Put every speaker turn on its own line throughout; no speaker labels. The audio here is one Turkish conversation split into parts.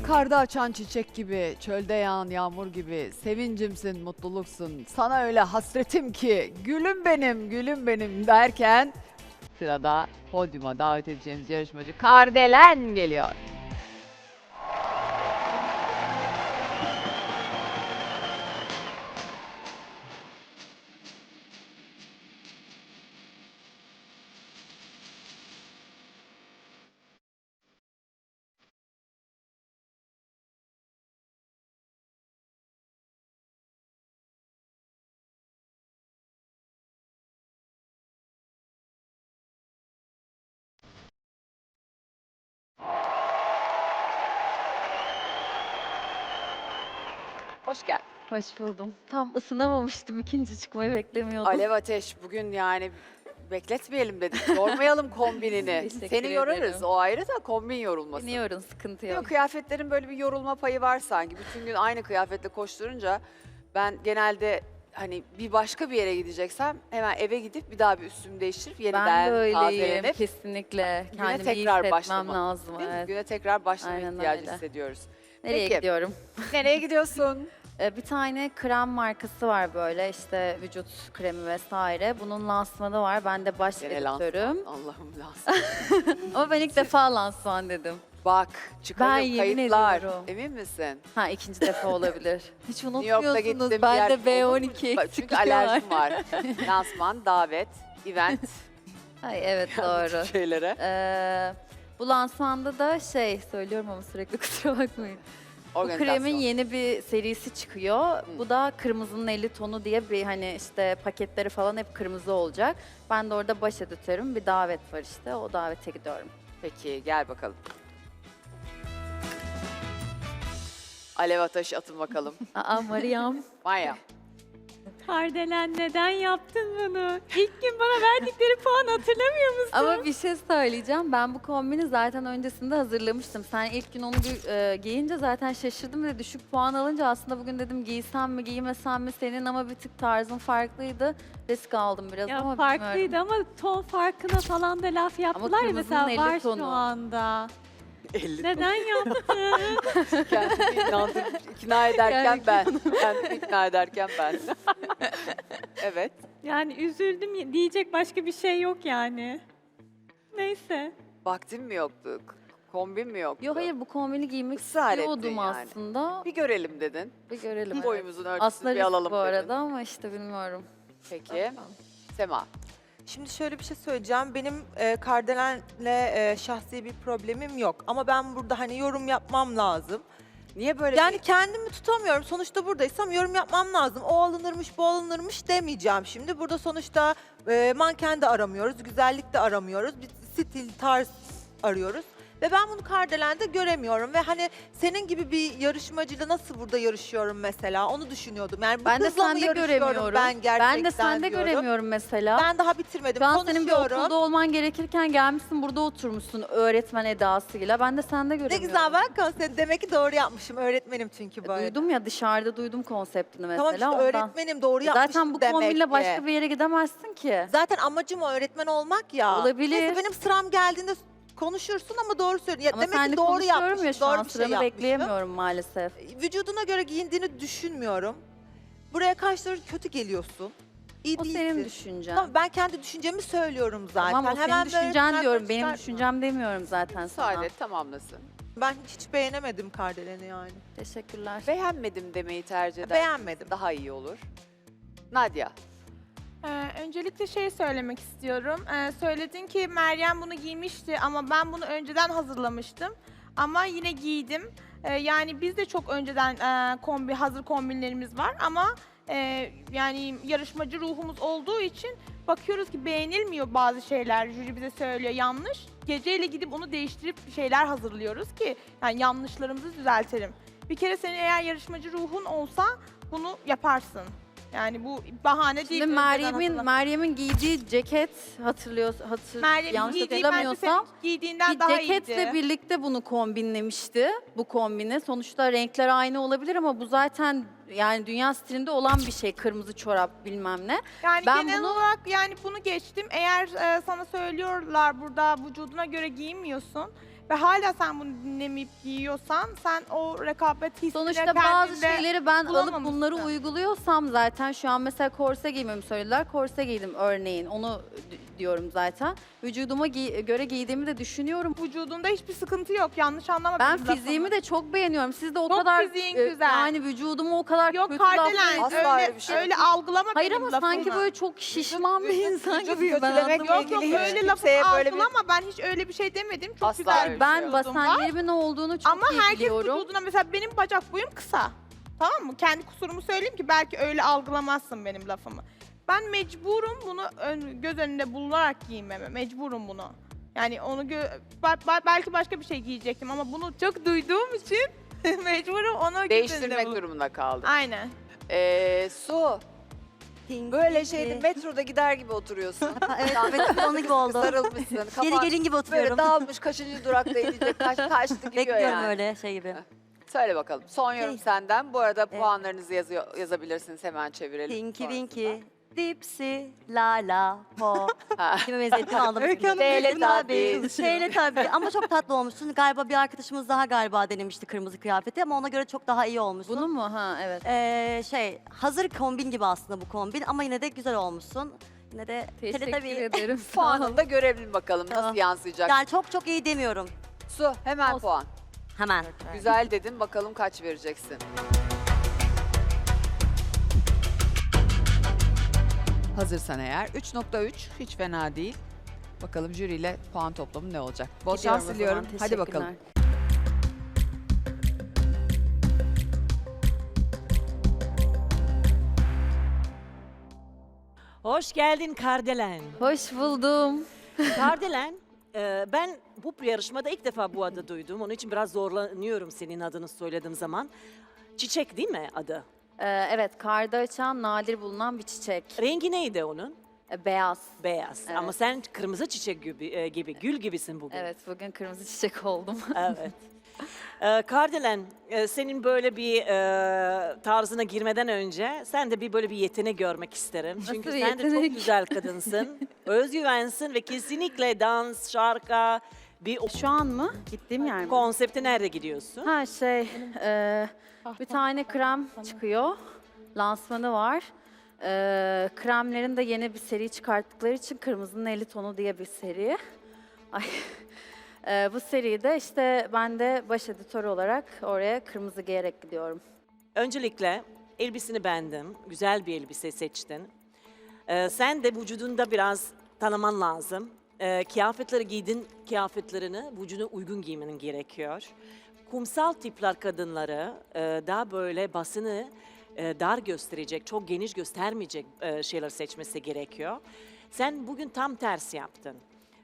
Karda açan çiçek gibi, çölde yağan yağmur gibi, sevincimsin, mutluluksun. Sana öyle hasretim ki, gülüm benim, gülüm benim derken sırada podyuma davet edeceğimiz yarışmacı Kardelen geliyor. Hoş geldin.
Hoş buldum. Tam ısınamamıştım. İkinci çıkmayı beklemiyordum.
Alev Ateş bugün yani bekletmeyelim dedik. Yormayalım kombinini.
Teşekkür
Seni yorarız.
ederim.
O ayrı da kombin yorulmasın.
Biniyorum, sıkıntı
Yok,
yok.
kıyafetlerin böyle bir yorulma payı var sanki. Bütün gün aynı kıyafetle koşturunca ben genelde hani bir başka bir yere gideceksem hemen eve gidip bir daha bir üstümü değiştirip yeniden
Ben de öyleyim,
tazelenip
kesinlikle.
güne
Kendimi iyi
tekrar
hissetmem
başlama.
lazım.
değil mi?
Evet.
Güne tekrar başlama
Aynen
ihtiyacı
öyle.
hissediyoruz.
Nereye
Peki.
gidiyorum?
Nereye gidiyorsun?
Bir tane krem markası var böyle işte vücut kremi vesaire. Bunun lansmanı var. Ben de baş
Gene
editörüm.
lansman. Allah'ım lansman.
Ama ben ilk defa lansman dedim.
Bak çıkarım
Ben yemin
kayıtlar.
ediyorum.
Emin misin?
Ha, ikinci defa olabilir. Hiç
New York'ta
unutmuyorsunuz.
gittim.
Ben de
Olur mu?
B12
Bak,
eksikliği
çünkü
var.
alerjim var. Lansman, davet, event.
Ay, evet doğru.
Şeylere.
Bu lansmanda da söylüyorum ama sürekli kusura bakmayın. Bu
Organizasyon.
kremin yeni bir serisi çıkıyor. Bu da kırmızının 50 tonu diye bir hani işte paketleri falan hep kırmızı olacak. Ben de orada baş editörüm. Bir davet var işte. O davete gidiyorum.
Peki gel bakalım. Alev Ateş atın bakalım.
Aa, Mariam.
Maya.
Kardelen neden yaptın bunu? İlk gün bana verdikleri puan hatırlamıyor musun?
Ama bir şey söyleyeceğim. Ben bu kombini zaten öncesinde hazırlamıştım. Sen ilk gün onu giyince zaten şaşırdım ve düşük puan alınca aslında bugün dedim giysem mi giymesem mi senin ama bir tık tarzın farklıydı. Risk aldım biraz
Ya
ama
farklıydı
bilmiyorum.
ama ton farkına falan da laf yaptılar ya mesela
kırmızının 50
var
tonu.
şu anda.
50
Neden yaptın?
Kendimi ikna ederken ben. Kendimi ikna ederken ben. Evet.
Yani üzüldüm diyecek başka bir şey yok yani. Neyse.
Vaktim mi yoktu? Kombin mi yoktu?
Yok hayır bu kombini giymek
Israr ettin
istiyordum
yani.
aslında.
Bir görelim dedin.
Bir görelim.
Boyumuzun ölçüsünü
Aslında
bir
risk
alalım
bu
dedin.
arada ama işte bilmiyorum.
Peki. Sema.
Şimdi şöyle bir şey söyleyeceğim. Benim Kardelen'le şahsi bir problemim yok. Ama ben burada hani yorum yapmam lazım.
Niye böyle
Yani kendimi tutamıyorum. Sonuçta buradaysam yorum yapmam lazım. O alınırmış, bu alınırmış demeyeceğim şimdi. Burada sonuçta manken de aramıyoruz, güzellik de aramıyoruz. Bir stil, tarz arıyoruz. Ve ben bunu Kardelen'de göremiyorum. Ve hani senin gibi bir yarışmacıyla nasıl burada yarışıyorum mesela onu düşünüyordum. Yani bu
Ben de
kızla mı
sende
yarışıyorum
göremiyorum.
ben gerçekten
Ben de sende
diyorum.
göremiyorum mesela.
Ben daha bitirmedim.
Şu an senin bir
Konuşuyorum.
okulda olman gerekirken gelmişsin burada oturmuşsun öğretmen edasıyla. Ben de sende
Ne
göremiyorum.
güzel ben konsept demek ki doğru yapmışım. Öğretmenim çünkü bu arada.
Duydum ya dışarıda duydum konseptini mesela.
Tamam işte
ondan.
öğretmenim doğru yapmışım
Zaten bu
demek
kombinle
ki.
başka bir yere gidemezsin ki.
Zaten amacım o öğretmen olmak ya.
Olabilir.
Neyse benim sıram geldiğinde konuşursun ama doğru söylüyorsun. Ya
Ama
demek
sen de
ki doğru
konuşuyorum
yapmışım.
ya şu
Doğru
an
bir şey
sıranı
yapmışım.
bekleyemiyorum maalesef.
Vücuduna göre giyindiğini düşünmüyorum. Buraya karşı kötü geliyorsun. İyi
O
değilsin.
senin düşüncen.
Tamam, ben kendi düşüncemi söylüyorum zaten.
Tamam o senin
böyle
düşüncen
ters
diyorum. Benim
çıkartma.
düşüncem demiyorum zaten sana.
Müsaade et, tamamlasın.
Ben hiç beğenemedim Kardelen'i yani.
Teşekkürler.
Beğenmedim demeyi tercih eder.
Beğenmedim.
Daha iyi olur. Nadia.
Öncelikle söylemek istiyorum. Söyledin ki Meryem bunu giymişti ama ben bunu önceden hazırlamıştım. Ama yine giydim. Yani biz de çok önceden hazır kombinlerimiz var ama yani yarışmacı ruhumuz olduğu için bakıyoruz ki beğenilmiyor bazı şeyler. Jüri bize söylüyor yanlış. Geceyle gidip onu değiştirip şeyler hazırlıyoruz ki yani yanlışlarımızı düzeltelim. Bir kere senin eğer yarışmacı ruhun olsa bunu yaparsın. Yani bu bahane değil.
Şimdi
önceden
Meryem'in giydiği ceket
Meryem'in
yanlış
giydiği bence senin
hatırlamıyorsam
giydiğinden
bir
daha
ceketle
iyiydi.
birlikte bunu kombinlemişti. Bu kombini. Sonuçta renkler aynı olabilir ama bu zaten yani dünya stilinde olan bir şey. Kırmızı çorap bilmem ne.
Yani
Ben
genel
bunu-
olarak yani bunu geçtim. Eğer sana söylüyorlar burada vücuduna göre giyinmiyorsun. ve hala sen bunu dinlemeyip giyiyorsan sen o rekabet hissini
Sonuçta bazı
kendinde
şeyleri ben alıp
bulamamışsın.
bunları uyguluyorsam zaten şu an mesela korse giymemi söylediler. Korse giydim örneğin. Onu diyorum zaten. Vücuduma göre giydiğimi de düşünüyorum.
Vücudunda hiçbir sıkıntı yok. Yanlış anlama
Ben
benim
fiziğimi
lafımı.
de çok beğeniyorum. Siz de o
Çok
kadar
fiziğin güzel.
yani vücudumu o kadar
Yok
kötü
Kardelen
Asla
öyle,
öyle bir şey
öyle algılama
Hayır
benim
ama
lafımı.
sanki böyle çok şişman bir insan
vücut
gibiyim ben.
kötülemek
anlamadım.
Yok
ilgili
öyle
hiç
lafı
kimseye böyle bir-
algılama, ben hiç öyle bir şey demedim. Çok
Asla
güzel
öyle
bir
Ben
vücudum var.
basenlerimin olduğunu çok
Ama
iyi
herkes
biliyorum.
vücuduna mesela benim bacak boyum kısa. Tamam mı? Kendi kusurumu söyleyeyim ki belki öyle algılamazsın benim lafımı. Ben mecburum bunu göz önünde bulunarak giymeme. Mecburum bunu. Yani onu belki başka bir şey giyecektim ama bunu çok duyduğum için mecburum onu göz önünde
Değiştirmek
bulun-
durumunda kaldım.
Aynen.
Su, böyle şeyde metroda gider gibi oturuyorsun.
Evet, evet onun gibi oldu.
Sarılmışsın.
Yeni
Kafan
gelin gibi
böyle
oturuyorum.
dağılmış, kaçıncı durakta inecek, kaçtı gidiyor
Bekliyorum
yani.
öyle şey gibi.
Söyle bakalım. Son yorum
Şey-
senden. Bu arada puanlarınızı yazabilirsiniz. Hemen çevirelim.
Tinky
sonrasında.
Winky, Dipsy, La La, Po.
Ha.
Kime benzettim anladım.
Şeyle tabii.
Şeyle tabii ama çok tatlı olmuşsun. Galiba bir arkadaşımız daha galiba denemişti kırmızı kıyafeti ama ona göre çok daha iyi olmuşsun.
Bunu mu? Ha evet.
Hazır kombin gibi aslında bu kombin ama yine de güzel olmuşsun. Yine de
Teşekkür
tabii.
ederim. Sağ
Puanını
olun.
da görelim bakalım nasıl
Tamam.
yansıyacak.
Yani çok iyi demiyorum.
Su hemen
Olsun.
puan.
Hemen.
Güzel dedin, bakalım kaç vereceksin. Hazırsan eğer 3.3 hiç fena değil. Bakalım jüriyle puan toplamı ne olacak? Bol
Gidiyorum
şans
o
diliyorum.
zaman.
Hadi bakalım.
Teşekkürler.
Hoş geldin Kardelen.
Hoş buldum.
Kardelen, ben bu yarışmada ilk defa bu adı duydum. Onun için biraz zorlanıyorum senin adını söylediğim zaman. Çiçek değil mi adı?
Evet, karda açan nadir bulunan bir çiçek.
Rengi neydi onun?
Beyaz.
Beyaz.
Evet.
Ama sen kırmızı çiçek gibi, gül gibisin bugün.
Evet, bugün kırmızı çiçek oldum.
Evet. Kardelen, senin böyle bir tarzına girmeden önce sen de böyle bir yetenek görmek isterim. Çünkü
Nasıl
sen de çok
yetenek?
güzel kadınsın. Özgüvensin ve kesinlikle dans, şarkı, bir
Şu an mı? Gittiğim yer mi?
konsepte nerede gidiyorsun?
Ha bir tane krem çıkıyor. Lansmanı var. Kremlerin de yeni bir seri çıkarttıkları için Kırmızının 50 tonu diye bir seri. Ay. Bu seride işte ben de baş editör olarak oraya kırmızı giyerek gidiyorum.
Öncelikle elbiseni beğendim. Güzel bir elbise seçtin. Sen de vücudunda biraz tanıman lazım. Kıyafetleri giydin, kıyafetlerini vücuduna uygun giymenin gerekiyor. Kumsal tipler kadınları daha böyle basını dar gösterecek, çok geniş göstermeyecek şeyler seçmesi gerekiyor. Sen bugün tam tersi yaptın.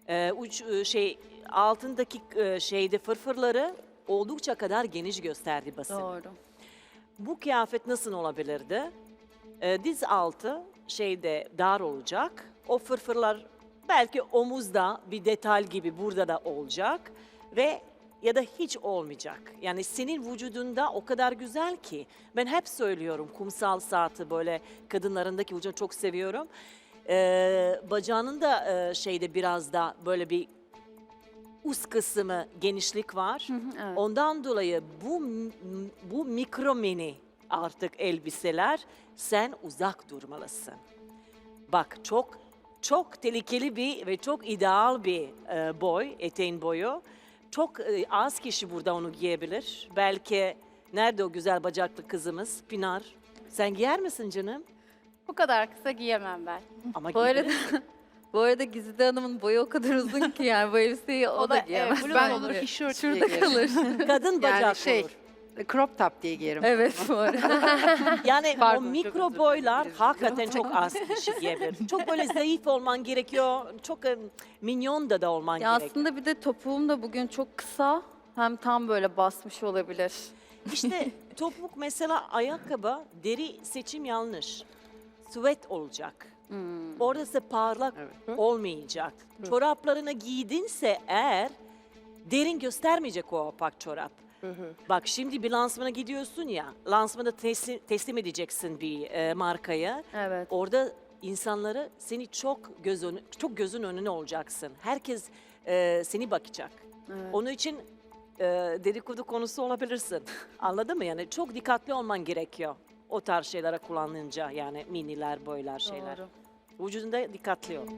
Altındaki şeyde fırfırları oldukça kadar geniş gösterdi basın.
Doğru.
Bu kıyafet nasıl olabilirdi? Diz altı şeyde dar olacak. O fırfırlar belki omuzda bir detay gibi burada da olacak ve ya da hiç olmayacak. Yani senin vücudunda o kadar güzel ki ben hep söylüyorum kumsal saati böyle kadınlarındaki vücudu çok seviyorum. Bacağının da şeyde biraz da böyle bir üst kısmı genişlik var.
Evet.
Ondan dolayı bu mikro mini artık elbiseler sen uzak durmalısın. Bak çok tehlikeli bir ve çok ideal bir boy, eteğin boyu. Çok az kişi burada onu giyebilir. Belki nerede o güzel bacaklı kızımız Pinar? Sen giyer misin canım?
Bu kadar kısa giyemem ben.
Ama
Bu arada
giyebilir.
bu arada Güzide Hanım'ın boyu o kadar uzun ki yani bu elbiseyi o da giyemez.
bluz
bence.
olur, tişört
Şurada
diye giyerim.
kalır.
Kadın bacaklı olur.
Crop top diye giyerim.
Evet bu arada.
Yani
Pardon,
o
çok
mikro
özür
boylar
dilerim.
hakikaten çok az kişi giyebilir. Çok böyle zayıf olman gerekiyor. Çok minyon da olman
Ya
gerekiyor.
aslında bir de topuğum da bugün çok kısa. Hem tam böyle basmış olabilir.
İşte topuk mesela ayakkabı deri seçim yanlış. Süvet olacak. Orası parlak olmayacak. Çoraplarını giydinse eğer derin göstermeyecek o opak çorap. Bak şimdi bir lansmana gidiyorsun ya, lansmanda teslim edeceksin bir markaya.
Evet.
Orada insanları seni çok gözün önüne olacaksın. Herkes seni bakacak. Onun için dedikodu konusu olabilirsin. Anladın mı? Yani çok dikkatli olman gerekiyor. O tarz şeylere kullanınca yani miniler, boylar şeyler.
Doğru.
Vücudunda dikkatli ol.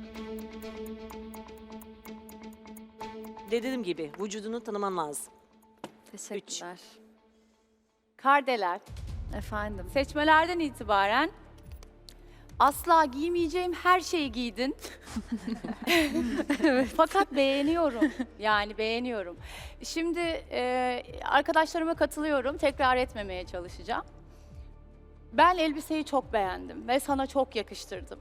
Dediğim gibi vücudunu tanıman lazım.
Teşekkürler.
Kardelen,
Efendim.
seçmelerden itibaren asla giymeyeceğim her şeyi giydin. Fakat beğeniyorum. Yani beğeniyorum. Şimdi arkadaşlarıma katılıyorum. Tekrar etmemeye çalışacağım. Ben elbiseyi çok beğendim ve sana çok yakıştırdım.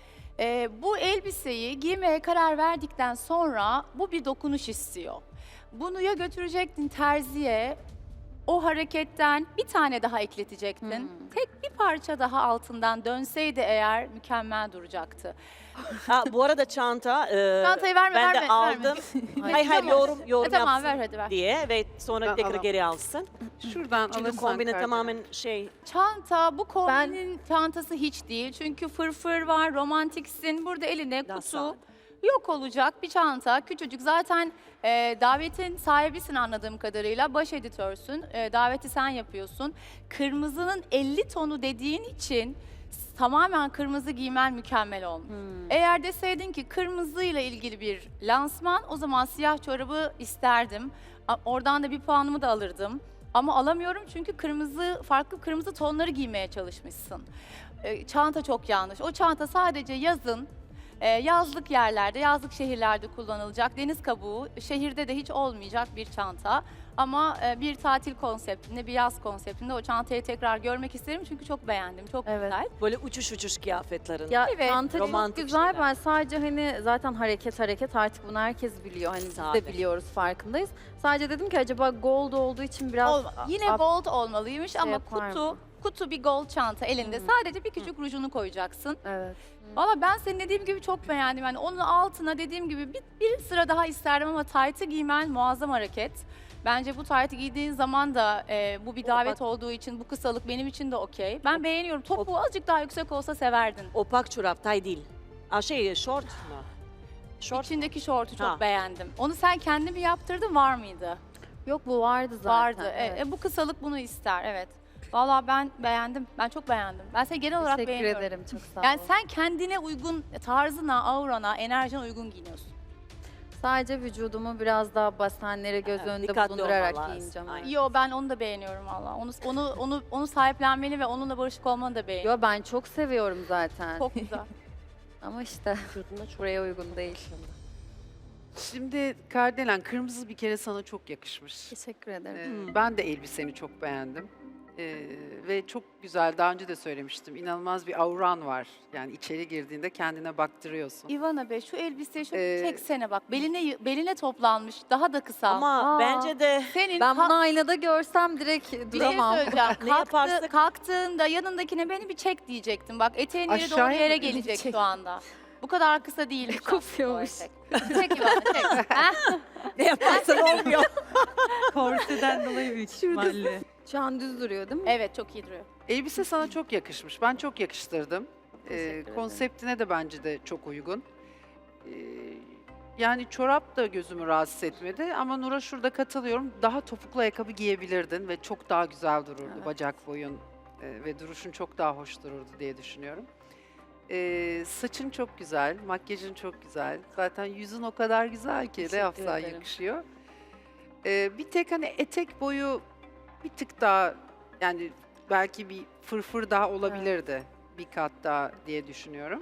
Bu elbiseyi giymeye karar verdikten sonra bu bir dokunuş istiyor. Bunu ya götürecektin terziye, o hareketten bir tane daha ekletecektin. Tek bir parça daha altından dönseydi eğer mükemmel duracaktı.
Ha, bu arada çanta
Çantayı verme,
ben de
verme,
aldım.
verme.
Hayır hayır yorum
Tamam
yapsın
ver hadi ver.
diye ve sonra
Ben
tekrar
alamam.
geri alsın.
Şuradan
Çünkü
alırsan
kombine
Kardelen.
tamamen şey
Çanta bu kombinin çantası hiç değil. Çünkü fırfır var, romantiksin. Burada eline
Daha
kutu
sade.
yok olacak bir çanta. Küçücük zaten davetin sahibisin anladığım kadarıyla. Baş editörsün. Daveti sen yapıyorsun. Kırmızının 50 tonu dediğin için tamamen kırmızı giymen mükemmel olmuş. Eğer deseydin ki kırmızıyla ilgili bir lansman o zaman siyah çorabı isterdim. Oradan da bir puanımı da alırdım. Ama alamıyorum çünkü farklı kırmızı tonları giymeye çalışmışsın. Çanta çok yanlış. O çanta sadece yazın, yazlık yerlerde, yazlık şehirlerde kullanılacak. Deniz kabuğu, şehirde de hiç olmayacak bir çanta. Ama bir tatil konseptinde, bir yaz konseptinde o çantayı tekrar görmek isterim çünkü çok beğendim, çok
Evet.
güzel.
böyle uçuş kıyafetlerin.
Ya
Evet,
çanta çok
romantik
güzel.
şeyler.
Ben sadece hani zaten hareket artık bunu herkes biliyor. Hani biz
Sade.
de biliyoruz, farkındayız. Sadece dedim ki acaba gold olduğu için biraz
Yine
up-
gold olmalıymış ama
yapar mı?
kutu bir gold çanta elinde. Sadece bir küçük rujunu koyacaksın.
Evet.
Valla ben senin dediğim gibi çok beğendim. Yani onun altına dediğim gibi bir sıra daha isterdim ama taytı giymen muazzam hareket. Bence bu taytı giydiğin zaman da bu bir davet olduğu için bu kısalık benim için de okey. Ben beğeniyorum. Topuğu azıcık daha yüksek olsa severdin.
Opak çorap tay değil. Short mu? Short.
İçindeki şortu çok
Ha.
beğendim. Onu sen kendi mi yaptırdın var mıydı?
Yok bu vardı zaten.
Vardı.
Evet.
Bu kısalık bunu ister evet. Valla ben beğendim. Ben çok beğendim. Ben seni genel olarak
Teşekkür
beğeniyorum.
ederim, çok sağ
Yani
olun.
sen kendine uygun, tarzına, aurana, enerjine uygun giyiniyorsun.
Sadece vücudumu biraz daha basenleri göz
Evet,
önünde
dikkatli
bulundurarak
olman lazım.
giyineceğim.
Aynen.
Yo ben onu da beğeniyorum valla. Onu sahiplenmeli ve onunla barışık olmanı da beğeniyorum.
Yo ben çok seviyorum zaten.
Çok güzel.
Ama işte buraya uygun değil.
Şimdi Kardelen kırmızı bir kere sana çok yakışmış.
Teşekkür ederim.
Ben de elbiseni çok beğendim. Ve çok güzel, daha önce de söylemiştim. İnanılmaz bir auran var. Yani içeri girdiğinde kendine baktırıyorsun.
İvana Bey şu elbiseyi şöyle
Ee,
çeksene bak. Beline toplanmış. Daha da kısa.
Ama
Aa.
bence de
senin
Ben bunu aynada görsem direkt
bir şey
duramam.
söyleyeceğim.
Ne yaparsak-
Kalktığında yanındakine beni bir çek diyecektim. Bak eteğin yeri doğru
Aşağıya
yere
mı
gelecek
çek?
şu anda. Bu kadar kısa değil.
Kopuyormuş.
Çek İvana çek. Heh.
ne yaparsan olmuyor.
Korseden dolayı büyük ihtimalle.
Şu an düz duruyor değil mi?
Evet çok iyi duruyor.
Elbise sana çok yakışmış. Ben çok yakıştırdım.
Teşekkür ederim.
Konseptine de bence de çok uygun. Yani çorap da gözümü rahatsız etmedi ama Nur'a şurada katılıyorum. Daha topuklu ayakkabı giyebilirdin ve çok daha güzel dururdu.
Evet.
Bacak boyun ve duruşun çok daha hoş dururdu diye düşünüyorum. Saçın çok güzel, makyajın çok güzel. Zaten yüzün o kadar güzel ki ne
Teşekkür
yapsan
ederim.
yakışıyor. Bir tek hani etek boyu bir tık daha yani belki bir fırfır daha olabilirdi. Bir kat daha diye düşünüyorum.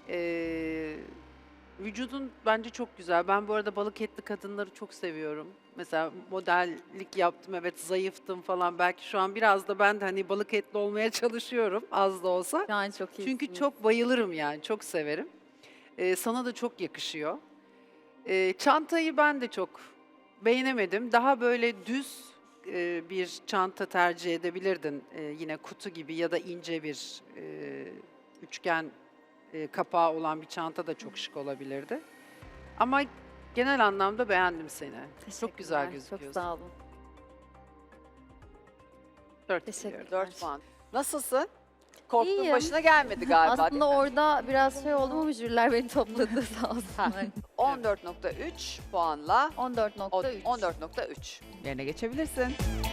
Vücudun bence çok güzel. Ben bu arada balık etli kadınları çok seviyorum. Mesela modellik yaptım, evet zayıftım falan. Belki şu an biraz da ben de hani balık etli olmaya çalışıyorum az da olsa.
Şu an çok iyi.
Çünkü çok bayılırım yani, çok severim. Sana da çok yakışıyor. Çantayı ben de çok beğenemedim. Daha böyle düz bir çanta tercih edebilirdin. Yine kutu gibi ya da ince bir üçgen kapağı olan bir çanta da çok şık olabilirdi. Ama genel anlamda beğendim seni. Çok güzel
Çok
gözüküyorsun.
sağ olun.
4
Teşekkürler.
4 puan. Nasılsın? Korktuğun
İyiyim.
başına gelmedi galiba
Aslında
değil mi?
orada biraz şey oldu ama jüriler beni topladı sağ olsunlar.
14.3 puanla
14.3.
14.3 yerine geçebilirsin.